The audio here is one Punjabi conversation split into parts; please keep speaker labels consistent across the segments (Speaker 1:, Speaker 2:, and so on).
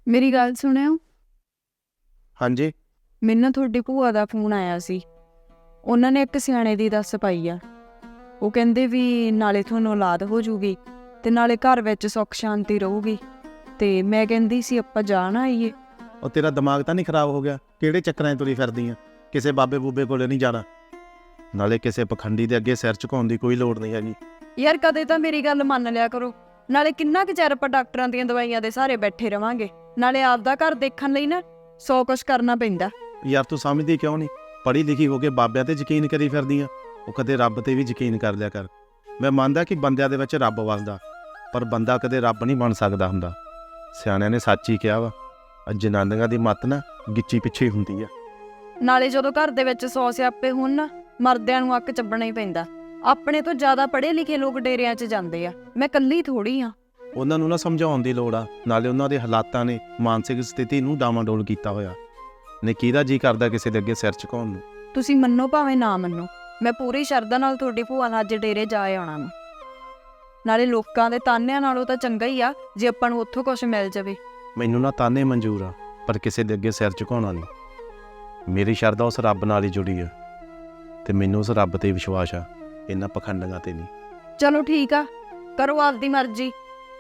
Speaker 1: ਮੇਰੀ ਗੱਲ ਸੁਣਿਓ।
Speaker 2: ਹਾਂਜੀ।
Speaker 1: ਮੈਨੂੰ ਨਾ ਤੁਹਾਡੀ ਭੂਆ ਦਾ ਫੋਨ ਆਇਆ ਸੀ। ਉਹਨਾਂ ਨੇ ਇੱਕ ਸਿਆਣੇ ਦੀ ਦੱਸ ਪਾਈ ਆ। ਉਹ ਕਹਿੰਦੇ ਵੀ ਨਾਲੇ ਤੁਹਾਨੂੰ ਔਲਾਦ ਹੋ ਜੂਗੀ ਤੇ ਨਾਲੇ ਘਰ ਵਿੱਚ ਸੁੱਖ ਸ਼ਾਂਤੀ ਰਹੂਗੀ। ਤੇ ਮੈਂ ਕਹਿੰਦੀ ਸੀ ਆਪਾਂ ਜਾ ਨਾ ਆਈਏ।
Speaker 2: ਉਹ ਤੇਰਾ ਦਿਮਾਗ ਤਾਂ ਨਹੀਂ ਖਰਾਬ ਹੋ ਗਿਆ? ਕਿਹੜੇ ਚੱਕਰਾਂ 'ਚ ਤੁਰੀ ਫਿਰਦੀ ਆ? ਕਿਸੇ ਬਾਬੇ ਬੂਬੇ ਕੋਲੇ ਨਹੀਂ ਜਾਣਾ, ਨਾਲੇ ਕਿਸੇ ਪਖੰਡੀ ਦੇ ਅੱਗੇ ਸਿਰ ਝੁਕਾਉਣ ਦੀ ਕੋਈ ਲੋੜ ਨਹੀਂ ਹੈਗੀ।
Speaker 1: ਯਾਰ ਕਦੇ ਤਾਂ ਮੇਰੀ ਗੱਲ ਮੰਨ ਲਿਆ ਕਰੋ। ਨਾਲੇ ਕਿੰਨਾ ਕੁ ਚਿਰ ਆਪਾਂ ਡਾਕਟਰਾਂ ਦੀਆਂ ਦਵਾਈਆਂ ਦੇ ਸਹਾਰੇ ਬੈਠੇ ਰਵਾਂਗੇ। ਨਾਲੇ ਆਪਦਾ ਘਰ ਦੇਖਣ ਲਈ ਨਾ 100 ਕੁਛ ਕਰਨਾ ਪੈਂਦਾ।
Speaker 2: ਯਾਰ ਤੂੰ ਸਮਝਦੀ ਕਿਉਂ ਨਹੀਂ? ਪੜ੍ਹੀ ਲਿਖੀ ਹੋ ਕੇ ਬਾਬਿਆਂ ਤੇ ਯਕੀਨ ਕਰੀ ਫਿਰਦੀ ਆ। ਉਹ ਕਦੇ ਰੱਬ ਤੇ ਵੀ ਯਕੀਨ ਕਰ ਲਿਆ ਕਰ। ਮੈਂ ਮੰਨਦਾ ਕਿ ਬੰਦਿਆਂ ਦੇ ਵਿੱਚ ਰੱਬ ਵਸਦਾ, ਪਰ ਬੰਦਾ ਕਦੇ ਰੱਬ ਨਹੀਂ ਬਣ ਸਕਦਾ ਹੁੰਦਾ। ਸਿਆਣਿਆਂ ਨੇ ਸੱਚ ਹੀ ਕਿਹਾ ਵਾ, ਜਨਾਨੀਆਂ ਦੀ ਮੱਤ ਨਾ ਗਿੱਚੀ ਪਿੱਛੇ ਹੀ ਹੁੰਦੀ ਆ।
Speaker 1: ਨਾਲੇ ਜਦੋਂ ਘਰ ਦੇ ਵਿੱਚ 100 ਸਿਆਪੇ ਹੋਣ ਨਾ, ਮਰਦਿਆਂ ਨੂੰ ਅੱਕ ਚੱਬਣਾ ਹੀ ਪੈਂਦਾ। ਆਪਣੇ ਤੋਂ ਜ਼ਿਆਦਾ ਪੜ੍ਹੇ ਲਿਖੇ ਲੋਕ ਡੇਰਿਆਂ 'ਚ ਜਾਂਦੇ ਆ, ਮੈਂ ਇਕੱਲੀ ਥੋੜੀ ਆ।
Speaker 2: ਉਹਨਾਂ ਨੂੰ ਨਾ ਸਮਝਾਉਣ ਦੀ ਲੋੜ ਆ। ਨਾਲੇ ਉਹਨਾਂ ਦੇ ਹਾਲਾਤਾਂ ਨੇ ਮਾਨਸਿਕ ਸਥਿਤੀ ਨੂੰ ਡਾਵਾਂਡੋਲ ਕੀਤਾ ਹੋਇਆ ਨੇ। ਕਿਹਦਾ ਜੀ ਕਰਦਾ ਕਿਸੇ ਦੇ ਅੱਗੇ ਸਿਰ ਝੁਕਾਉਣ ਨੂੰ?
Speaker 1: ਤੁਸੀਂ ਮੰਨੋ ਭਾਵੇਂ ਨਾ ਮੰਨੋ, ਮੈਂ ਪੂਰੀ ਸ਼ਰਧਾ ਨਾਲ ਤੁਹਾਡੀ ਭੂਆ ਨਾਲ ਅੱਜ ਡੇਰੇ ਜਾ ਆਉਣਾ ਵਾ। ਨਾਲੇ ਲੋਕਾਂ ਦੇ ਤਾਨਿਆਂ ਨਾਲੋਂ ਤਾਂ ਚੰਗਾ ਹੀ ਆ ਜੇ ਆਪਾਂ ਨੂੰ ਉੱਥੋਂ ਕੁਝ ਮਿਲ ਜਾਵੇ।
Speaker 2: ਮੈਨੂੰ ਨਾ ਤਾਨੇ ਮਨਜ਼ੂਰ ਆ, ਪਰ ਕਿਸੇ ਦੇ ਅੱਗੇ ਸਿਰ ਝੁਕਾਉਣਾ ਨਹੀਂ। ਮੇਰੀ ਸ਼ਰਧਾ ਉਸ ਰੱਬ ਨਾਲ ਹੀ ਜੁੜੀ ਆ, ਤੇ ਮੈਨੂੰ ਉਸ ਰੱਬ ਤੇ ਵਿਸ਼ਵਾਸ ਆ, ਇਹਨਾਂ ਪਖੰਡੀਆਂ ਤੇ ਨਹੀਂ।
Speaker 1: ਚਲੋ ਠੀਕ ਆ, ਕਰੋ ਆਪਦੀ ਮਰਜ਼ੀ।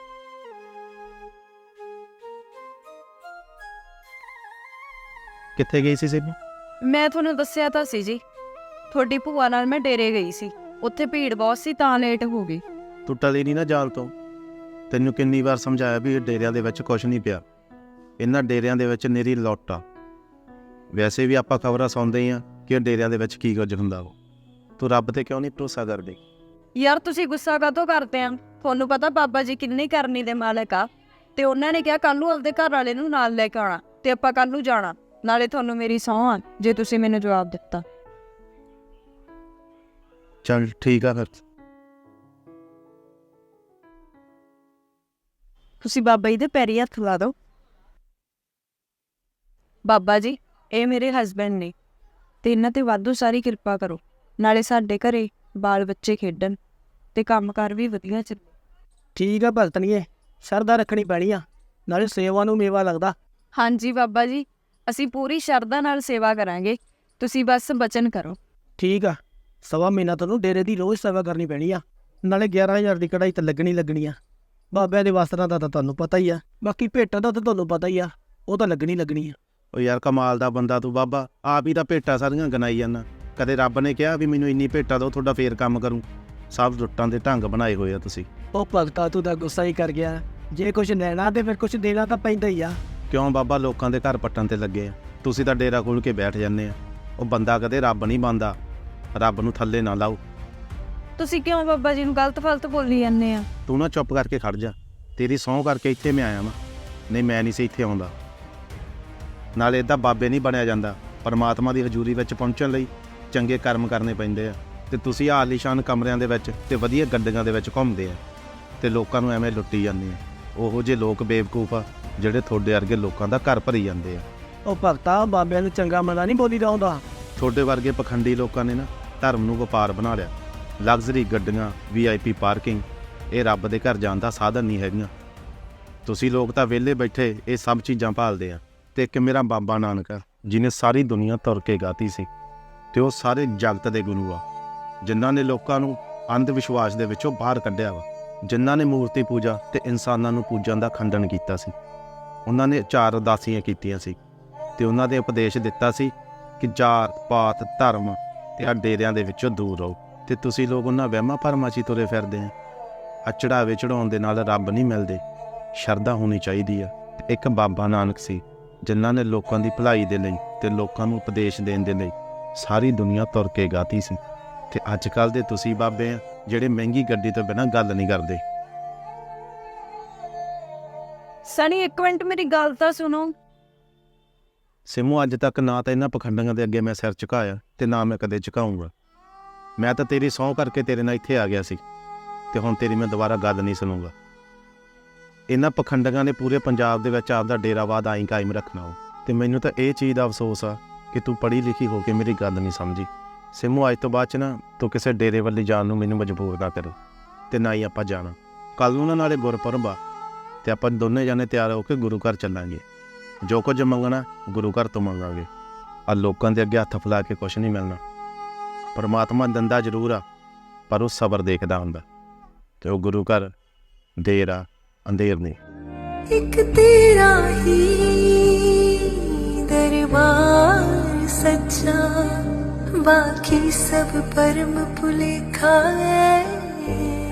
Speaker 2: ਕਿੱਥੇ ਗਈ ਸੀ ਸੇਬੀ?
Speaker 1: ਮੈਂ ਤੁਹਾਨੂੰ ਦੱਸਿਆ ਤਾਂ ਸੀ ਜੀ, ਤੁਹਾਡੀ ਭੂਆ ਨਾਲ ਮੈਂ ਡੇਰੇ ਗਈ ਸੀ। ਉੱਥੇ ਭੀੜ ਬਹੁਤ ਸੀ ਤਾਂ ਲੇਟ ਹੋ ਗਈ।
Speaker 2: ਤੂੰ ਟਲੀ ਨਹੀਂ ਨਾ ਜਾਲ ਤੋਂ। ਤੈਨੂੰ ਕਿੰਨੀ ਵਾਰ ਸਮਝਾਇਆ ਵੀ ਇਹ ਡੇਰਿਆਂ ਦੇ ਵਿੱਚ ਕੁਝ ਨਹੀਂ ਪਿਆ। ਇਹਨਾਂ ਡੇਰਿਆਂ ਦੇ ਵਿੱਚ ਨਿਰੀ ਲੁੱਟ ਆ। ਵੈਸੇ ਵੀ ਆਪਾਂ ਖਬਰਾਂ ਸੁਣਦੇ ਆ ਕਿ ਇਹ ਡੇਰਿਆਂ ਦੇ ਵਿੱਚ ਕੀ ਕੁਝ ਹੁੰਦਾ ਵਾ। ਤੂੰ ਰੱਬ ਤੇ ਕਿਉਂ ਨਹੀਂ ਭਰੋਸਾ ਕਰਦੀ?
Speaker 1: ਯਾਰ ਤੁਸੀਂ ਗੁੱਸਾ ਕਾਹਤੋਂ ਕਰਦੇ ਆ? ਤੁਹਾਨੂੰ ਪਤਾ ਬਾਬਾ ਜੀ ਕਿੰਨੀ ਕਰਨੀ ਦੇ ਮਾਲਕ ਆ, ਤੇ ਉਹਨਾਂ ਨੇ ਕਿਹਾ ਕੱਲ ਨੂੰ ਆਪਦੇ ਘਰ ਵਾਲੇ ਨੂੰ ਨਾਲ ਲੈ ਕੇ ਆਉਣਾ, ਤੇ ਆਪਾਂ ਕੱਲ ਨੂੰ ਜਾਣਾ। ਨਾਲੇ ਤੁਹਾਨੂੰ ਮੇਰੀ ਸਹੁੰ ਆ ਜੇ ਤੁਸੀਂ ਮੈਨੂੰ ਜਵਾਬ ਦਿੱਤਾ।
Speaker 2: ਚੱਲ ਠੀਕ ਆ ਫਿਰ।
Speaker 1: ਤੁਸੀਂ ਬਾਬਾ ਜੀ ਦੇ ਪੈਰੀ ਹੱਥ ਲਾ ਦਿਓ। ਬਾਬਾ ਜੀ, ਇਹ ਮੇਰੇ ਹਸਬੈਂਡ ਨੇ, ਤੇ ਇਹਨਾਂ ਤੇ ਵਾਧੂ ਸਾਰੀ ਕਿਰਪਾ ਕਰੋ। ਨਾਲੇ ਸਾਡੇ ਘਰੇ ਬਾਲ ਬੱਚੇ ਖੇਡਣ ਤੇ ਕੰਮਕਾਰ ਵੀ ਵਧੀਆ ਚੱਲੇ।
Speaker 3: ਠੀਕ ਆ ਭਗਤਣੀਏ, ਸ਼ਰਧਾ ਰੱਖਣੀ ਪੈਣੀ ਆ, ਨਾਲੇ ਸੇਵਾ ਨੂੰ ਮੇਵਾ ਲੱਗਦਾ।
Speaker 1: ਹਾਂਜੀ ਬਾਬਾ ਜੀ, ਅਸੀਂ ਪੂਰੀ ਸ਼ਰਧਾ ਨਾਲ ਸੇਵਾ ਕਰਾਂਗੇ। ਤੁਸੀਂ ਬਸ ਬਚਨ ਕਰੋ।
Speaker 3: ਠੀਕ ਆ, 1.25 ਮਹੀਨਾ ਤੁਹਾਨੂੰ ਡੇਰੇ ਦੀ ਰੋਜ਼ ਸੇਵਾ ਕਰਨੀ ਪੈਣੀ ਆ। ਨਾਲੇ 11,000 ਦੀ ਕਢਾਈ ਤਾਂ ਲੱਗਣੀ ਆ। ਬਾਬਿਆਂ ਦੇ ਵਸਤਰਾਂ ਦਾ ਤਾਂ ਤੁਹਾਨੂੰ ਪਤਾ ਹੀ ਆ, ਬਾਕੀ ਭੇਟਾਂ ਦਾ ਤਾਂ ਤੁਹਾਨੂੰ ਪਤਾ ਹੀ ਆ, ਉਹ ਤਾਂ ਲੱਗਣੀ ਆ।
Speaker 2: ਉਹ ਯਾਰ ਕਮਾਲ ਦਾ ਬੰਦਾ ਤੂੰ ਬਾਬਾ, ਆਪ ਹੀ ਤਾਂ ਭੇਟਾਂ ਸਾਰੀਆਂ ਗਨਾਈ ਜਾਂਦਾ। ਕਦੇ ਰੱਬ ਨੇ ਕਿਹਾ ਵੀ ਮੈਨੂੰ ਇੰਨੀ ਭੇਟਾਂ ਦਿਓ ਤੁਹਾਡਾ ਫੇਰ ਕੰਮ ਕਰੂੰ? ਸਭ ਲੁੱਟਾਂ ਦੇ ਢੰਗ ਬਣਾਏ ਹੋਏ ਆ ਤੁਸੀਂ।
Speaker 3: ਉਹ ਭਗਤਾ ਤੂੰ ਤਾਂ ਗੁੱਸਾ ਹੀ ਕਰ ਗਿਆ। ਜੇ ਕੁਝ ਲੈਣਾ ਤੇ ਫਿਰ ਕੁਝ ਦੇਣਾ ਤਾਂ ਪੈਂਦਾ ਹੀ ਆ।
Speaker 2: ਕਿਉਂ ਬਾਬਾ ਲੋਕਾਂ ਦੇ ਘਰ ਪੱਟਣ ਤੇ ਲੱਗੇ ਆ? ਤੁਸੀਂ ਤਾਂ ਡੇਰਾ ਖੋਲ੍ਹ ਕੇ ਬੈਠ ਜਾਂਦੇ ਆ। ਉਹ ਬੰਦਾ ਕਦੇ ਰੱਬ ਨਹੀਂ ਬਣਦਾ। ਰੱਬ ਨੂੰ ਥੱਲੇ ਨਾ ਲਾਓ।
Speaker 1: ਤੁਸੀਂ ਕਿਉਂ ਬਾਬਾ ਜੀ ਨੂੰ ਗਲਤ ਫਲਤ ਬੋਲੀ ਜਾਂਦੇ ਆ?
Speaker 2: ਤੂੰ ਨਾ ਚੁੱਪ ਕਰਕੇ ਖੜ ਜਾ। ਤੇਰੀ ਸਹੁੰ ਕਰਕੇ ਇੱਥੇ ਮੈਂ ਆਇਆ ਵਾਂ, ਨਹੀਂ ਮੈਂ ਨਹੀਂ ਸੀ ਇੱਥੇ ਆਉਂਦਾ। ਨਾਲੇ ਇੱਦਾਂ ਬਾਬੇ ਨਹੀਂ ਬਣਿਆ ਜਾਂਦਾ। ਪਰਮਾਤਮਾ ਦੀ ਹਜ਼ੂਰੀ ਵਿੱਚ ਪਹੁੰਚਣ ਲਈ ਚੰਗੇ ਕਰਮ ਕਰਨੇ ਪੈਂਦੇ ਆ। ਤੇ ਤੁਸੀਂ ਆਲੀਸ਼ਾਨ ਕਮਰਿਆਂ ਦੇ ਵਿੱਚ ਤੇ ਵਧੀਆ ਗੱਡੀਆਂ ਦੇ ਵਿੱਚ ਘੁੰਮਦੇ ਆ ਤੇ ਲੋਕਾਂ ਨੂੰ ਐਵੇਂ ਲੁੱਟੀ ਜਾਂਦੇ ਆ। ਉਹੋ ਜਿਹੇ ਲੋਕ ਬੇਵਕੂਫ ਆ ਜਿਹੜੇ ਤੁਹਾਡੇ ਵਰਗੇ ਲੋਕਾਂ ਦਾ ਘਰ ਭਰੀ ਜਾਂਦੇ ਆ।
Speaker 3: ਉਹ ਭਗਤਾ ਬਾਬਿਆਂ ਨੂੰ ਚੰਗਾ ਮੰਦਾ ਨਹੀਂ ਬੋਲੀਦਾ ਹੁੰਦਾ।
Speaker 2: ਤੁਹਾਡੇ ਵਰਗੇ ਪਖੰਡੀ ਲੋਕਾਂ ਨੇ ਨਾ ਧਰਮ ਨੂੰ ਵਪਾਰ ਬਣਾ ਲਿਆ। ਲਗਜ਼ਰੀ ਗੱਡੀਆਂ, VIP ਪਾਰਕਿੰਗ, ਇਹ ਰੱਬ ਦੇ ਘਰ ਜਾਣ ਦਾ ਸਾਧਨ ਨਹੀਂ ਹੈਗੀਆਂ। ਤੁਸੀਂ ਲੋਕ ਤਾਂ ਵਿਹਲੇ ਬੈਠੇ ਇਹ ਸਭ ਚੀਜ਼ਾਂ ਭਾਲਦੇ ਆ। ਤੇ ਇੱਕ ਮੇਰਾ ਬਾਬਾ ਨਾਨਕ ਆ, ਜਿਹਨੇ ਸਾਰੀ ਦੁਨੀਆ ਤੁਰ ਕੇ ਗਾਤੀ ਸੀ, ਤੇ ਉਹ ਸਾਰੇ ਜਗਤ ਦੇ ਗੁਰੂ ਆ, ਜਿਨ੍ਹਾਂ ਨੇ ਲੋਕਾਂ ਨੂੰ ਅੰਧ ਵਿਸ਼ਵਾਸ ਦੇ ਵਿੱਚੋਂ ਬਾਹਰ ਕੱਢਿਆ ਵਾ, ਜਿਨ੍ਹਾਂ ਨੇ ਮੂਰਤੀ ਪੂਜਾ ਤੇ ਇਨਸਾਨਾਂ ਨੂੰ ਪੂਜਣ ਦਾ ਖੰਡਨ ਕੀਤਾ ਸੀ। ਉਹਨਾਂ ਨੇ 4 ਉਦਾਸੀਆਂ ਕੀਤੀਆਂ ਸੀ ਤੇ ਉਹਨਾਂ ਦੇ ਉਪਦੇਸ਼ ਦਿੱਤਾ ਸੀ ਕਿ ਜਾਤ ਪਾਤ ਧਰਮ ਤੇ ਆ ਡੇਰਿਆਂ ਦੇ ਵਿੱਚੋਂ ਦੂਰ ਰਹੋ। ਤੇ ਤੁਸੀਂ ਲੋਕ ਉਹਨਾਂ ਵਹਿਮਾਂ ਭਰਮਾਂ 'ਚ ਹੀ ਤੁਰੇ ਫਿਰਦੇ ਆ। ਚੜਾਵੇ ਚੜਾਉਣ ਦੇ ਨਾਲ ਰੱਬ ਨਹੀਂ ਮਿਲਦੇ। ਸ਼ਰਧਾ ਹੋਣੀ ਚਾਹੀਦੀ ਆ। ਇੱਕ ਬਾਬਾ ਨਾਨਕ ਸੀ ਜਿਨ੍ਹਾਂ ਨੇ ਲੋਕਾਂ ਦੀ ਭਲਾਈ ਦੇ ਲਈ ਤੇ ਲੋਕਾਂ ਨੂੰ ਉਪਦੇਸ਼ ਦੇਣ ਦੇ ਲਈ ਸਾਰੀ ਦੁਨੀਆ ਤੁਰ ਕੇ ਗਾਤੀ ਸੀ। ਤੇ ਅੱਜ ਕੱਲ੍ਹ ਦੇ ਤੁਸੀਂ ਬਾਬੇ ਆ ਜਿਹੜੇ ਮਹਿੰਗੀ ਗੱਡੀ ਤੋਂ ਬਿਨਾਂ ਗੱਲ ਨਹੀਂ ਕਰਦੇ।
Speaker 1: ਸਣੀ ਇੱਕ ਮਿੰਟ ਮੇਰੀ ਗੱਲ ਤਾਂ ਸੁਣੋ।
Speaker 2: ਸਿਮੂ, ਅੱਜ ਤੱਕ ਨਾ ਤਾਂ ਇਹਨਾਂ ਪਖੰਡੀਆਂ ਦੇ ਅੱਗੇ ਮੈਂ ਸਿਰ ਝੁਕਾਇਆ ਤੇ ਨਾ ਮੈਂ ਕਦੇ ਝੁਕਾਊਂਗਾ। ਮੈਂ ਤਾਂ ਤੇਰੀ ਸਹੁੰ ਕਰਕੇ ਤੇਰੇ ਨਾਲ ਇੱਥੇ ਆ ਗਿਆ ਸੀ, ਤੇ ਹੁਣ ਤੇਰੀ ਮੈਂ ਦੁਬਾਰਾ ਗੱਲ ਨਹੀਂ ਸੁਣੂੰਗਾ। ਇਹਨਾਂ ਪਖੰਡੀਆਂ ਨੇ ਪੂਰੇ ਪੰਜਾਬ ਦੇ ਵਿੱਚ ਆਪਦਾ ਡੇਰਾਵਾਦ ਆਈ ਕਾਇਮ ਰੱਖਣਾ ਹੋ। ਤੇ ਮੈਨੂੰ ਤਾਂ ਇਹ ਚੀਜ਼ ਦਾ ਅਫਸੋਸ ਆ ਕਿ ਤੂੰ ਪੜ੍ਹੀ ਲਿਖੀ ਹੋ ਕੇ ਮੇਰੀ ਗੱਲ ਨਹੀਂ ਸਮਝੀ। ਸਿਮੂ, ਅੱਜ ਤੋਂ ਬਾਅਦ 'ਚ ਨਾ ਤੂੰ ਕਿਸੇ ਡੇਰੇ ਵੱਲ ਜਾਣ ਨੂੰ ਮੈਨੂੰ ਮਜਬੂਰ ਨਾ ਕਰੇ, ਤੇ ਨਾ ਹੀ ਆਪਾਂ ਜਾਣਾ। ਕੱਲ੍ਹ ਨੂੰ ਨਾ ਨਾਲੇ ਗੁਰਪੁਰਬ ਆ, ਤੇ ਆਪਾਂ ਦੋਨੇ ਜਾਣੇ ਤਿਆਰ ਹੋ ਕੇ ਗੁਰੂ ਘਰ ਚੱਲਾਂਗੇ। ਜੋ ਕੁਝ ਮੰਗਣਾ ਗੁਰੂ ਘਰ ਤੋਂ ਮੰਗਾਂਗੇ। ਆ ਲੋਕਾਂ ਦੇ ਅੱਗੇ ਹੱਥ ਫੈਲਾ ਕੇ ਕੁਛ ਨਹੀਂ ਮਿਲਣਾ। ਪਰਮਾਤਮਾ ਦਿੰਦਾ ਜ਼ਰੂਰ ਆ, ਪਰ ਉਹ ਸਬਰ ਦੇਖਦਾ ਹੁੰਦਾ, ਤੇ ਉਹ ਗੁਰੂ ਘਰ ਦੇਰ ਆ ਅੰਧੇਰ ਨਹੀਂ।
Speaker 4: ਇੱਕ ਤੇਰਾ ਹੀ ਦਰਬਾਰ ਸੱਚਾ, ਬਾਕੀ ਸਭ ਪਰਮ ਭੁਲੇਖਾ ਹੈ।